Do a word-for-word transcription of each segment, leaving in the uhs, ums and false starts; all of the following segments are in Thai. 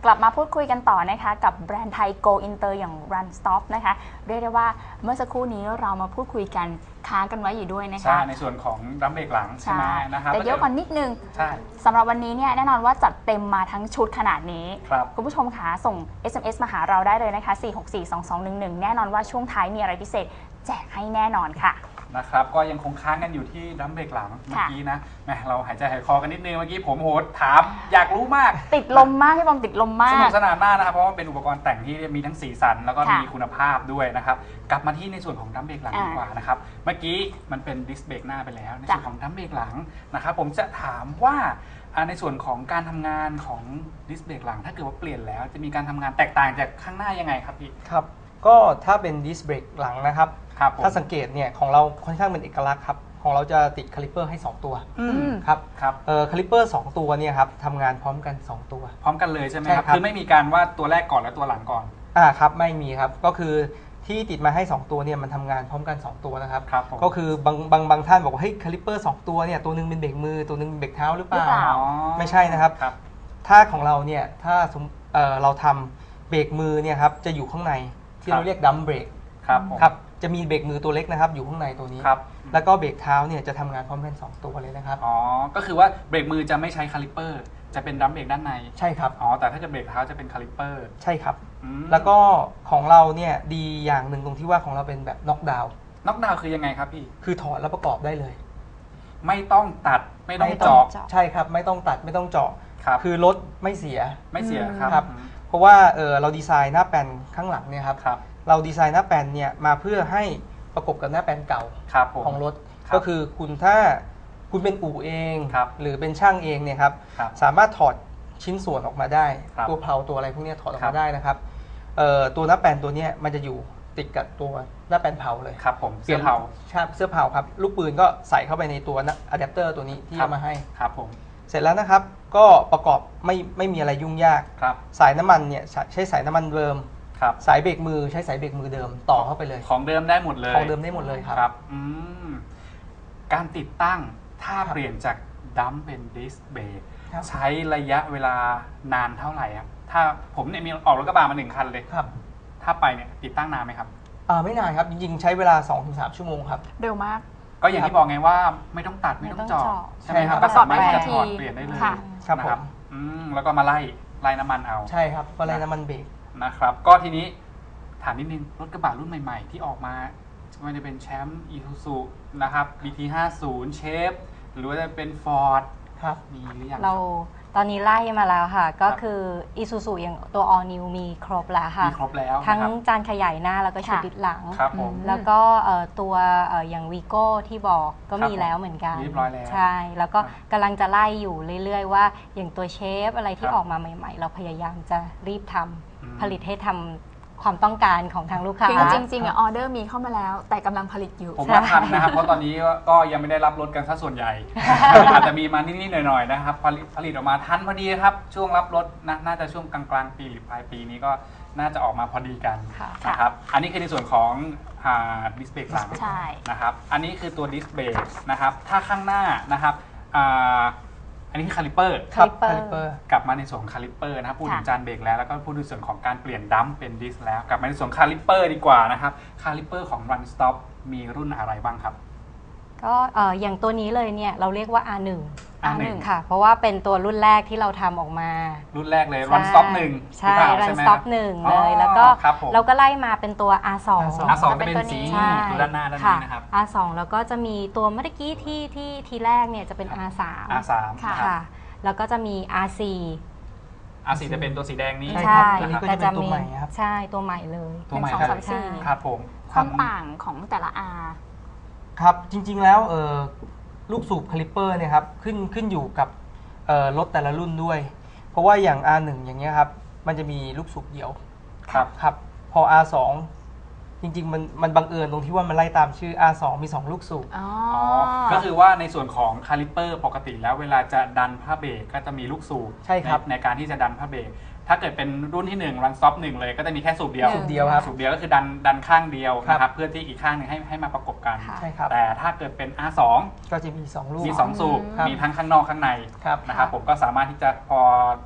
กลับมาพูดคุยกันต่อนะคะกับแบรนด์ไทย Go Inter อย่าง Run Stop นะคะเรียกได้ว่าเมื่อสักครู่นี้เรามาพูดคุยกันค้างกันไว้อยู่ด้วยนะคะใช่ในส่วนของดัมเบรกหลังใช่ไหมนะครับแต่เดี๋ยวก่อนนิดนึงใช่สำหรับวันนี้เนี่ยแน่นอนว่าจัดเต็มมาทั้งชุดขนาดนี้ครับคุณผู้ชมคะส่ง เอส เอ็ม เอส มาหาเราได้เลยนะคะสี่ หก สี่ สอง สอง หนึ่ง หนึ่งแน่นอนว่าช่วงท้ายมีอะไรพิเศษแจกให้แน่นอนค่ะนะครับก็ยังคงค้างกันอยู่ที่ดัมเบรกหลังเมื่อกี้นะแหมเราหายใจหายคอกันนิดนึงเมื่อกี้ผมโหดถามอยากรู้มากติดลมมากพี่บอมติดลมมากสนุกสนานมากนะครับเพราะว่าเป็นอุปกรณ์แต่งที่มีทั้งสีสันแล้วก็มีคุณภาพด้วยนะครับกลับมาที่ในส่วนของดัมเบรกหลังดีกว่านะครับเมื่อกี้มันเป็นดิสเบรกหน้าไปแล้วในส่วนของดัมเบรกหลังนะครับผมจะถามว่าในส่วนของการทำงานของดิสเบรกหลังถ้าเกิดว่าเปลี่ยนแล้วจะมีการทำงานแตกต่างจากข้างหน้ายังไงครับพี่ครับก็ถ้าเป็นดิสเบรกหลังนะครับถ้าสังเกตเนี่ยของเราค่อนข้างเป็นเอกลักษณ์ครับของเราจะติดคาลิเปอร์ให้สองตัวครับครับเอ่อคาลิเปอร์สองตัวเนี่ยครับทำงานพร้อมกันสองตัวพร้อมกันเลยใช่ไหมครับคือไม่มีการว่าตัวแรกก่อนแล้วตัวหลังก่อนอ่าครับไม่มีครับก็คือที่ติดมาให้สองตัวเนี่ยมันทำงานพร้อมกันสองตัวนะครับก็คือบางบางบางท่านบอกว่าเฮ้ยคาลิเปอร์สองตัวเนี่ยตัวนึงเป็นเบรกมือตัวนึงเป็นเบรกเท้าหรือเปล่าไม่ใช่นะครับถ้าของเราเนี่ยถ้าสมเอ่อเราทำเบรกมือเนี่ยครับจะอยู่ข้างในที่เราเรียกดัมเบรกครับครับจะมีเบรกมือตัวเล็กนะครับอยู่ข้างในตัวนี้แล้วก็เบรกเท้าเนี่ยจะทำงานพร้อมกันสองตัวเลยนะครับอ๋อก็คือว่าเบรกมือจะไม่ใช้คาลิเปอร์จะเป็นดัมเบรกด้านในใช่ครับอ๋อแต่ถ้าจะเบรกเท้าจะเป็นคาลิเปอร์ใช่ครับแล้วก็ของเราเนี่ยดีอย่างหนึ่งตรงที่ว่าของเราเป็นแบบน็อกดาวน์น็อกดาวน์คือยังไงครับพี่คือถอดแล้วประกอบได้เลยไม่ต้องตัดไม่ต้องเจาะใช่ครับไม่ต้องตัดไม่ต้องเจาะคือรถไม่เสียไม่เสียครับครับเพราะว่าเออเราดีไซน์หน้าแปลนข้างหลังเนี่ยครับเราดีไซน์หน้าแปลนเนี่ยมาเพื่อให้ประกบกับหน้าแปลนเก่าของรถก็คือคุณถ้าคุณเป็นอู่เองหรือเป็นช่างเองเนี่ยครับสามารถถอดชิ้นส่วนออกมาได้ตัวเพลาตัวอะไรพวกนี้ถอดออกมาได้นะครับตัวหน้าแปลนตัวนี้มันจะอยู่ติดกับตัวหน้าแปลนเผาเลยครับผมเสื้อเผาใช่เสื้อเผาครับลูกปืนก็ใส่เข้าไปในตัวอะแดปเตอร์ตัวนี้ที่เอามาให้ครับผมเสร็จแล้วนะครับก็ประกอบไม่ไม่มีอะไรยุ่งยากสายน้ำมันเนี่ยใช้สายน้ำมันเดิมสายเบรกมือใช้สายเบรกมือเดิมต่อเข้าไปเลยของเดิมได้หมดเลยของเดิมได้หมดเลยครับครับอืมการติดตั้งถ้าเปลี่ยนจากดัมเป็นดิสเบรกใช้ระยะเวลานานเท่าไหร่ครับถ้าผมเนี่ยมีออกรถกระบะมาหนึ่งคันเลยครับถ้าไปเนี่ยติดตั้งนานไหมครับอ่าไม่นานครับจริงๆใช้เวลา สองถึงสาม ชั่วโมงครับเร็วมากก็อย่างที่บอกไงว่าไม่ต้องตัดไม่ต้องเจาะใช่ไหมครับก็สามารถที่จะถอดเปลี่ยนได้เลยนะครับอืมแล้วก็มาไล่ไล่น้ำมันเอาใช่ครับก็ไล่น้ำมันเบรกนะครับก็ทีนี้ถามนิดนึงรถกระบะรุ่นใหม่ๆที่ออกมาไม่ว่าจะเป็นแชมป์อีซูซูนะครับ บี ที ห้าสิบ เชฟหรือว่าจะเป็นฟอร์ดครับมีหรือยังเราตอนนี้ไล่มาแล้วค่ะก็คืออีซูซูอย่างตัว All New มีครบแล้วค่ะมีครบแล้วทั้งจานขยายหน้าแล้วก็ชุดดิดหลังแล้วก็ตัวอย่างวีโก้ที่บอกก็มีแล้วเหมือนกันเรียบร้อยแล้วใช่แล้วก็กำลังจะไล่อยู่เรื่อยๆว่าอย่างตัวเชฟอะไรที่ออกมาใหม่ๆเราพยายามจะรีบทำผลิตให้ทำความต้องการของทางลูกค้าจริงๆอ่ะออเดอร์มีเข้ามาแล้วแต่กำลังผลิตอยู่ผมว่าทันนะครับเพราะตอนนี้ก็ยังไม่ได้รับรถกันซะส่วนใหญ่อาจจะมีมานิดๆหน่อยๆนะครับผลิตผลิตออกมาทันพอดีครับช่วงรับรถนะน่าจะช่วงกลางๆปีหรือปลายปีนี้ก็น่าจะออกมาพอดีกันนะครับอันนี้คือในส่วนของดิสเบรกหลังนะครับอันนี้คือตัวดิสเบรกนะครับถ้าข้างหน้านะครับอันนี้คือคาลิเปอร์ครับคาลิเปอร์กลับมาในส่วนของคาลิเปอร์นะครับพูดถึงจานเบรกแล้วแล้วก็พูดถึงส่วนของการเปลี่ยนดัมเป็นดิสแล้วกลับมาในส่วนคาลิเปอร์ดีกว่านะครับคาลิเปอร์ของ Run Stop มีรุ่นอะไรบ้างครับก็อย่างตัวนี้เลยเนี่ยเราเรียกว่า อาร์ หนึ่ง อาร์ หนึ่ง ค่ะเพราะว่าเป็นตัวรุ่นแรกที่เราทำออกมารุ่นแรกเลย Run Stop หนึ่งใช่ Run Stop หนึ่งเลยแล้วก็เราก็ไล่มาเป็นตัว อาร์ สองอาร์ สอง จะเป็นสีด้านหน้าด้านนี้นะครับอาร์ สอง แล้วก็จะมีตัวเมื่อกี้ที่ที่ทีแรกเนี่ยจะเป็น อาร์ สามอาร์ สามค่ะแล้วก็จะมี อาร์ สี่อาร์ สี่ จะเป็นตัวสีแดงนี้ใช่แต่จะมีใช่ตัวใหม่เลยตัวใหม่สอง สาม สี่ครับผมความต่างของแต่ละ R ครับจริงๆแล้วลูกสูบคาลิปเปอร์เนี่ยครับขึ้นขึ้นอยู่กับรถแต่ละรุ่นด้วยเพราะว่าอย่าง อาร์ หนึ่ง อย่างเงี้ยครับมันจะมีลูกสูบเดี่ยวครับครับพอ อาร์ สอง จริงๆมันมันบังเอิญตรงที่ว่ามันไล่ตามชื่อ อาร์ สอง มีสองลูกสูบอ๋อก็คือว่าในส่วนของคาลิปเปอร์ปกติแล้วเวลาจะดันผ้าเบรกก็จะมีลูกสูบใช่ครับในการที่จะดันผ้าเบรกถ้าเกิดเป็นรุ่นที่หนึ่ง Run Stop หนึ่งเลยก็จะมีแค่สูบเดียวสูบเดียวครับสูบเดียวก็คือดันดันข้างเดียวนะครับเพื่อที่อีกข้างหนึ่งให้ให้มาประกบกันใช่ครับแต่ถ้าเกิดเป็น อาร์ สองก็จะมีสองลูกมีสองสูบมีทั้งข้างนอกข้างในนะครับผมก็สามารถที่จะพอ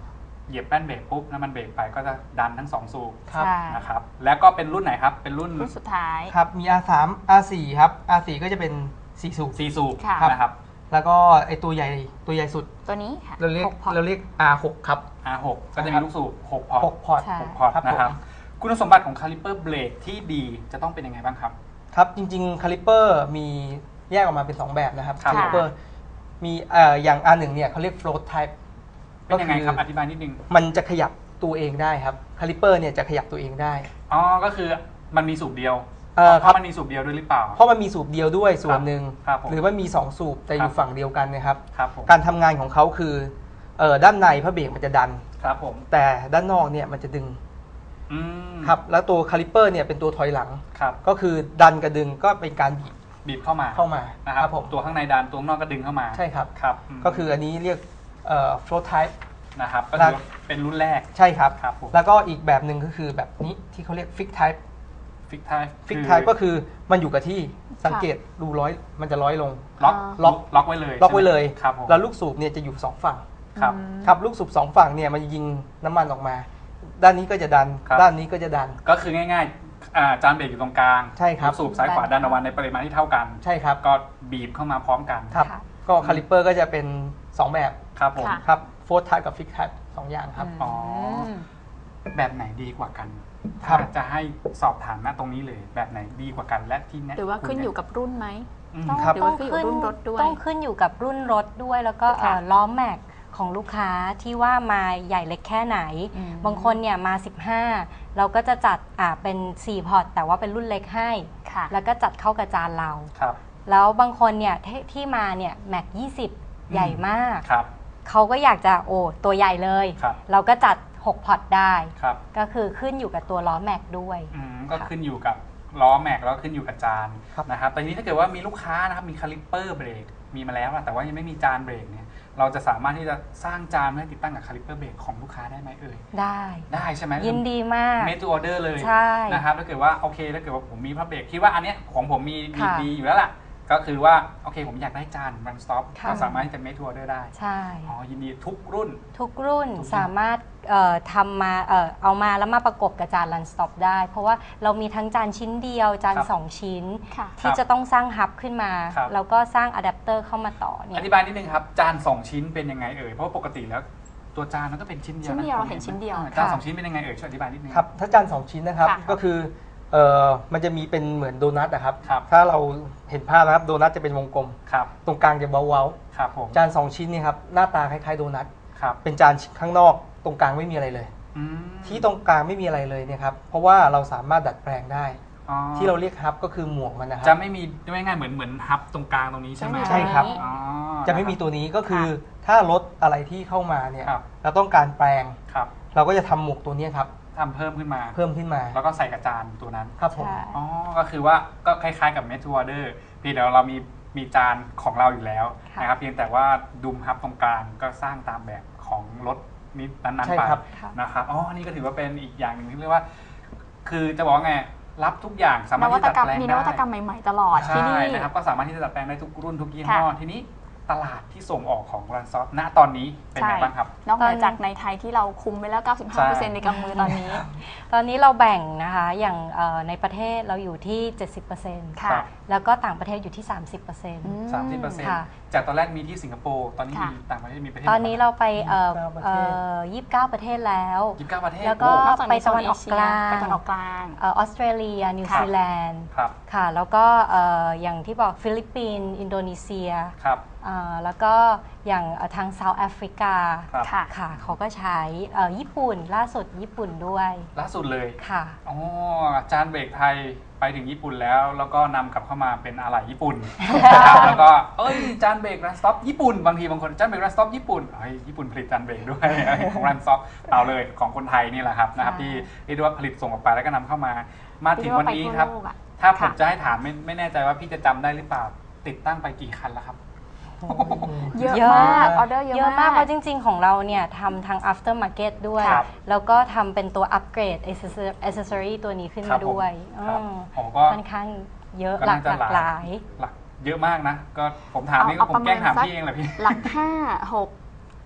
เหยียบแป้นเบรกปุ๊บน้ำมันเบรกไปก็จะดันทั้งสองสูบครับใช่นะครับแล้วก็เป็นรุ่นไหนครับเป็นรุ่นรุ่นสุดท้ายครับมี อาร์ ทรี อาร์ โฟร์ ครับ อาร์ โฟร์ ก็จะเป็นสี่สูบสี่สูบค่ะนะครับแล้วก็ไอตัวใหญ่ตัวใหญ่สุดตัวนี้ค่ะเราเรียกหกพอร์ตเราเรียก อาร์ ซิกซ์ ครับอาร์ หก ก็จะมีลูกสูบหกพอร์ตหกพอร์ตใช่หกพอร์ตครับผมนะครับคุณสมบัติของคาลิเปอร์เบรกที่ดีจะต้องเป็นยังไงบ้างครับครับ จริงๆ คาลิเปอร์มีแยกออกมาเป็นสองแบบนะครับครับคาลิเปอร์มีเอ่ออย่าง อาร์ วัน เนี่ยเขาเรียก float type เป็นยังไงครับอธิบายนิดนึงมันจะขยับตัวเองได้ครับ คาลิเปอร์เนี่ยจะขยับตัวเองได้อ๋อก็คือมันมีสูบเดียวเอ่อเพครับราะมันมีสูบเดียวด้วยหรือเปล่าเพราะมันมีสูบเดียวด้วยส่วนหนึ่งครับผมหรือว่ามีสองสูบแต่อครัยู่บฝั่งเดียวกันนะครับครับผมการทำงานของเขาคือเอ่อด้านในพระเบรกมันจะดันครับผมแต่ด้านนอกเนี่ยมันจะดึงอืมครับแล้วตัวคาลิเปอร์เนี่ยเป็นตัวถอยหลังครับก็คือดันกับดึงก็เป็นการบีบบีบเข้ามาเข้ามานะครับผมตัวข้างในดันตัวข้างนอกก็ดึงเข้ามาใช่ครับครับมก็คืออันนี้เรียกเอ่อ float type นะครับก็คือเป็นรุ่นแรกใช่ครับครับผมแล้วก็อีกแบบหนึ่งก็คือแบบนี้ที่เขาเรียก fix type ฟิกไทป์ fix type ก็คือมันอยู่กับที่สังเกตดูร้อยมันจะร้อยลงล็อกล็อกล็อกไว้เลยล็อกไว้เลยใช่หมครับผมแล้วลูกสูบเนี่ยจะอยู่สองฝั่งครับครับลูกสูบสองฝั่งเนี่ยมันยิงน้ำมันออกมา ด้านนี้ก็จะดันครับด้านนี้ก็จะดันก็คือง่ายๆอ่าจานเบรกอยู่ตรงกลางใช่ครับลูกสูบซ้ายขวาดันออกมาในปริมาณที่เท่ากันใช่ครับก็บีบเข้ามาพร้อมกันครับค่ะก็คาลิเปอร์ก็จะเป็นสองแบบครับผมค่ะครับ float type กับ fix type สองอย่างครับอ๋อแบบไหนดีกว่ากันครัถ้าบจะให้สอบถามณตรงนี้เลย แบบไหนดีกว่ากันและที่แนะหรือว่าขึ้นอยู่กับรุ่นไหมอืมต้องครับหรือว่าขึ้นอยู่กับรุ่นรถด้วยต้องขึ้นอยู่กับรุ่นรถด้วย แล้วก็เอ่อค่ะล้อแม็กของลูกค้าที่ว่ามาใหญ่เล็กแค่ไหนอืมบางคนเนี่ยมา สิบห้า เราก็จะจัดอ่าเป็นสี่พอร์ตแต่ว่าเป็นรุ่นเล็กให้ค่ะแล้วก็จัดเข้ากับจานเราครับแล้วบางคนเนี่ยที่ที่มาเนี่ยแม็กยี่สิบใหญ่มากครับเขาก็อยากจะโอ้ตัวใหญ่เลยครับเราก็จัดหกพอร์ตได้ครับก็คือขึ้นอยู่กับตัวล้อแม็กด้วยอืมก็ค่ะขึ้นอยู่กับล้อแม็กแล้วก็ขึ้นอยู่กับจานครับนะครับแต่ทีนี้ถ้าเกิดว่ามีลูกค้านะครับมีคาลิปเปอร์เบรกมีมาแล้วอะแต่ว่ายังไม่มีจานเบรกเนี่ยเราจะสามารถที่จะสร้างจานให้ติดตั้งกับคาลิปเปอร์เบรกของลูกค้าได้ไหมเอ่ยได้ได้ใช่ไหมยินดีมากเมทูออเดอร์เลยใช่นะครับถ้าเกิดว่าโอเคถ้าเกิดว่าผมมีพระเบรกคิดว่าอันเนี้ยของผมมีมีค่ะดีอยู่แล้วล่ะก็คือว่าโอเคผมอยากได้จานรันสต็อปค่ะก็สามารถที่จะเมทูออเดอร์ได้ใช่อ๋อยินดีทุกรุ่นทุกรุ่นทุกรุ่นสามารถเอ่อทำมาเอ่อเอามาแล้วมาประกบกับจาน Run Stop ได้ เพราะว่าเรามีทั้งจานชิ้นเดียว จานครับสองชิ้นค่ะที่จะต้องสร้างฮับขึ้นมาครับแล้วก็สร้างอะแดปเตอร์เข้ามาต่อเนี่อย ธิบายนิดนึงครับจานสองชิ้นเป็นยังไงเอ่ยเพราะว่าปกติแล้วตัวจานมันก็เป็นชิ้นเดียวชิ้นเดียวะเราเห็นชิ้นเดียวอ่าจานสองชิ้นเป็นยังไงเอ่ยช่วยอธิบายนิดนึงครับถ้าจานสองชิ้นนะครับค่ะก็คือเอ่อมันจะมีเป็นเหมือนโดนัทนะครับครับถ้าเราเห็นภาพนะครับโดนัทจะเป็นวงกลมครับตรงกลางจะเว้าครับผมๆจานสองชิ้นนี่ครับหน้าตาคล้ายๆโดนัทครับเป็นจานข้างนอกตรงกลางไม่มีอะไรเลยอืมที่ตรงกลางไม่มีอะไรเลยเนี่ยครับเพราะว่าเราสามารถดัดแปลงได้อ๋อที่เราเรียกฮับก็คือหมวกมันนะคจะรับไม่มีไม่ง่ายเหมือนเหมือนฮับตรงกลางตรงนี้ใช่ไหมใช่ครับอ๋อจะไม่มีตัวนี้ก็คือถ้ารถอะไรที่เข้ามาเนี่ยครับเราต้องการแปลงครับเราก็จะทำหมวกตัวเนี้ยครับทำเพิ่มขึ้นมาเพิ่มขึ้นมาแล้วก็ใส่กระจานตัวนั้นครับผมใช่อ๋อ ก็คือว่าก็คล้ายๆกับเมทูออเดอร์เพียงแต่เรามีมีจานของเราอยู่แล้วค่ะนะครับเพียงแต่ว่าดุมฮับตรงกลางก็สร้างตามแบบของรถนี้นั้นใช่ๆไปครับค่ะนะครับอ๋อนี่ก็ถือว่าเป็นอีกอย่างหนึ่งที่เรียกว่า คือจะบอกว่าไงรับทุกอย่างสามารนถวัที่ตจะกรรมดัดแปลงมีนได้วัตกรรมใหม่ๆตลอดที่ใช่นี่นะครับก็สามารถที่จะดัดแปลงได้ทุกรุ่นทุกยี่ห้อค่ะทีนี้ตลาดที่ส่งออกของรันซอฟณตอนนี้เป็นไงบ้างครับนอกเหนือจากในไทยที่เราคุมไปแล้ว เก้าสิบห้าเปอร์เซ็นต์ใช่ในกำมือตอนนี้ตอนนี้เราแบ่งนะคะอย่างเอ่อในประเทศเราอยู่ที่ เจ็ดสิบเปอร์เซ็นต์ค่ะแล้วก็ต่างประเทศอยู่ที่ สามสิบเปอร์เซ็นต์อืมสามสิบเปอร์เซ็นต์ค่ะจากตอนแรกมีที่สิงคโปร์ตอนนี้ค่ะมีต่างประเทศมีประเทศตอนนี้เราไปเอ่อยี่สิบเก้าประเทศเอ่อยี่สิบเก้าประเทศแล้วยี่สิบเก้าประเทศแล้วก็โอ้นอกจากไปในโซตะนวันเอออกเชีกยลางไปตะวันออกกลางเออออสเตรเลีย นิวค่ะซีแลนด์ครับค่ะ แล้วก็เอ่ออย่างที่บอกฟิลิปปินส์อินโดนีเซียครับเอ่อแล้วก็อย่างเอ่อทางเซาท์แอฟริกาครับค่ะค่ะเขาก็ใช้เอ่อญี่ปุ่นล่าสุดญี่ปุ่นด้วยล่าสุดเลยค่ะอ๋อจานเบรกไทยไปถึงญี่ปุ่นแล้ว แล้วก็นำกลับเข้ามาเป็นอะไหล่ญี่ปุ่น นะครับแล้วก็เอ้ยจานเบรกรันสต็อปญี่ปุ่นบางทีบางคนจานเบรกรันสต็อปญี่ปุ่นเฮ้ยญี่ปุ่นผลิตจานเบรกด้วย ของรันสต็อปเอาเลยของคนไทยนี่แหละครับนะครับใช่ที่เรียกได้ว่าผลิตส่งออกไปแล้วก็นำเข้ามา มาถึงวันนี้ครับเรียกว่าไปทั่วโลกอะถ้าผมค่ะจะให้ถามไม่ไม่แน่ใจว่าพี่จะจำได้หรือเปล่าติดตั้งไปกี่คันแล้วครับเยอะเยอะมากออเดอร์เยเยอะอะมามาก กเพราะจริง ๆ ของเราเนี่ยทำทาง after market ด้วยครับแล้วก็ทำเป็นตัวอัปเกรด accessory ตัวนี้ขึ้นครัมาบผมด้วยครับอืมผมก็ค่อนข้างเยอะก็หลาน่าก จะหลากหลายหลักเยอะมากนะ ก็ผมถามนี่ก็เอาผมเอาแกล้งถามประมาณสักพี่เองแหละพี่หลักห้าหก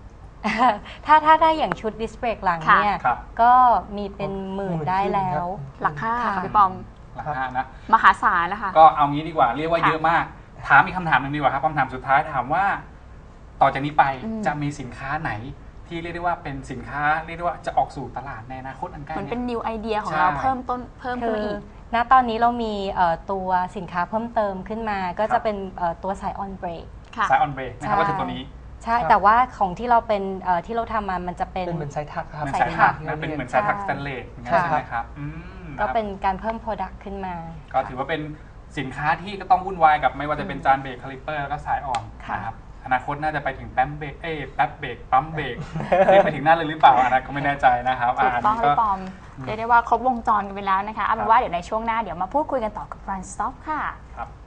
ถ้าถ้าได้อย่างชุดดิสเบรกหลังค่ะเนี่ยครับก็มีเป็นหมื่นได้แล้วหลักห้าค่ะค่ะพี่ปอมหลักห้านะมหาศาลนะคะก็เอางี้ดีกว่าเรียกว่าค่ะเยอะมาก ถามอีกคำถามหนึ่งดีกว่าครับคำถามสุดท้ายถามว่า ต่อจากนี้ไปอืมจะมีสินค้าไหน ที่เรียกได้ว่าเป็นสินค้าเรียกได้ว่าจะออกสู่ตลาดในอนาคตอันใกล้เหมือนนี้เป็น new idea ของใช่เราเพิ่มต้นเพิ่มขึ้นคืมาออีกณตอนนี้เรามีเอ่อตัวสินค้าเพิ่มเติมขึ้นมา ก็ครัจะบเป็นเอ่อตัวสายออนเบรกค่ะสายออนเบรกนะครับใช่ก็คือตัวนี้ใช่ครับแต่ว่าของที่เราเป็นเอ่อที่เราทำมามันจะเป็นเป็นเหมือนไซทักครับเหมือนสาสาย ยถัถักกนะเป็นเหมือนสายถักสแตนเลสอย่างเงี้ยค่ะใช่ไหมครับอืมก็ครับเป็นการเพิ่ม Product ขึ้นมาก็ถือว่าเป็นสินค้าที่ก็ต้องวุ่นวายกับไม่ว่าจะเป็นจานเบรกคาลิปเปอร์แล้วก็สายอ่อนค่ะนะครับอนาคตน่าจะไปถึงแป๊มเบรกเอ้ยแป๊บเบรกปั๊มเบรกเรียกไปถึงหน้าเลยหรือเปล่าอันนั้นก็ไม่แน่ใจนะครับถูกต้องนนี้พี่ปอมเรียกได้ว่าครบวงจรกันไปแล้วนะคะเอาเป็ครันบว่าเดี๋ยวในช่วงหน้าเดี๋ยวมาพูดคุยกันต่อกับ Run Stop ค่ะครับ